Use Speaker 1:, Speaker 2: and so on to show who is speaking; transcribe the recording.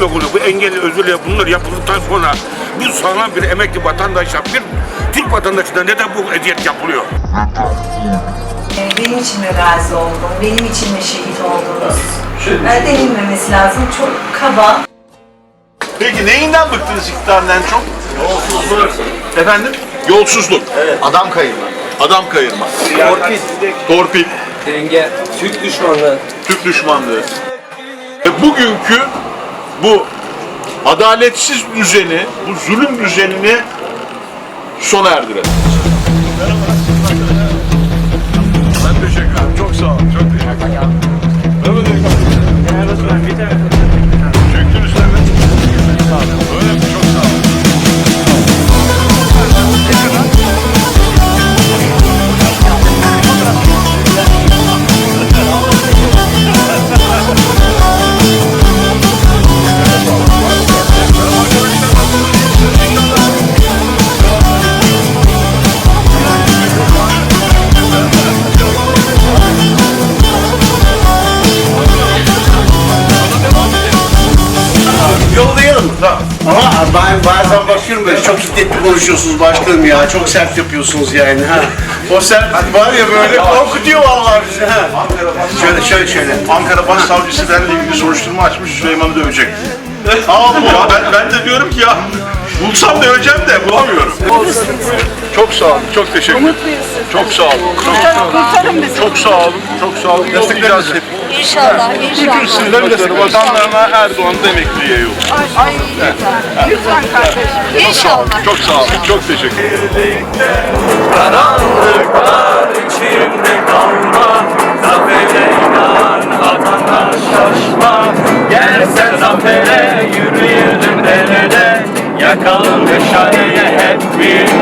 Speaker 1: blokunu, bu engelli özürlüğe bunlar yapıldıktan sonra bu sağlam bir emekli vatandaşa, bir Türk vatandaşına neden bu eziyet yapılıyor?
Speaker 2: Benim için mi gazi oldun, benim için mi şehit oldunuz? Denilmemesi lazım, çok kaba.
Speaker 3: Peki neyinden bıktınız iktidardan çok?
Speaker 4: Yolsuzluk.
Speaker 3: Efendim? Yolsuzluk.
Speaker 4: Evet. Adam kayırma.
Speaker 3: Adam kayırma.
Speaker 4: Torpil.
Speaker 3: Torpil.
Speaker 4: Denge. Türk düşmanlığı.
Speaker 3: Türk düşmanlığı. Bugünkü bu adaletsiz düzeni, bu zulüm düzenini sona erdirelim. Ben teşekkür ederim. Çok sağ olun. Çok teşekkür ederim. Çektiniz tabii. Öyle mi? Çok sağ olun.
Speaker 5: Yollayalım. Ama ben bazen bakıyorum böyle çok şiddetli konuşuyorsunuz başkanım ya. Çok sert yapıyorsunuz yani. Ha. O sert var ya böyle korkutuyor vallahi bizi. Ha. Şöyle.
Speaker 3: Ankara Başsavcısı benimle ilgili soruşturma açmış, Süleyman'ı dövecek. Ya ben de diyorum ki ya, bulsam döveceğim de bulamıyorum. Çok sağ olun, çok teşekkür ederim. Çok sağ olun.
Speaker 6: Kurtarın bizi.
Speaker 3: Çok sağ olun, çok sağ olun. Destekleriniz hep.
Speaker 6: İnşallah,
Speaker 3: Bütün
Speaker 6: inşallah.
Speaker 3: sizlerin destekleri vatanlarına Erdoğan'da emekliye yok.
Speaker 6: Ay, lütfen kardeşim. İnşallah.
Speaker 3: Çok sağ olun, çok teşekkür ederim.
Speaker 7: Karanlıklar içimde kalma, zafere inan, atana şaşma. Gelse zafere yürüyelim derede, yakalım meşaleye hep bir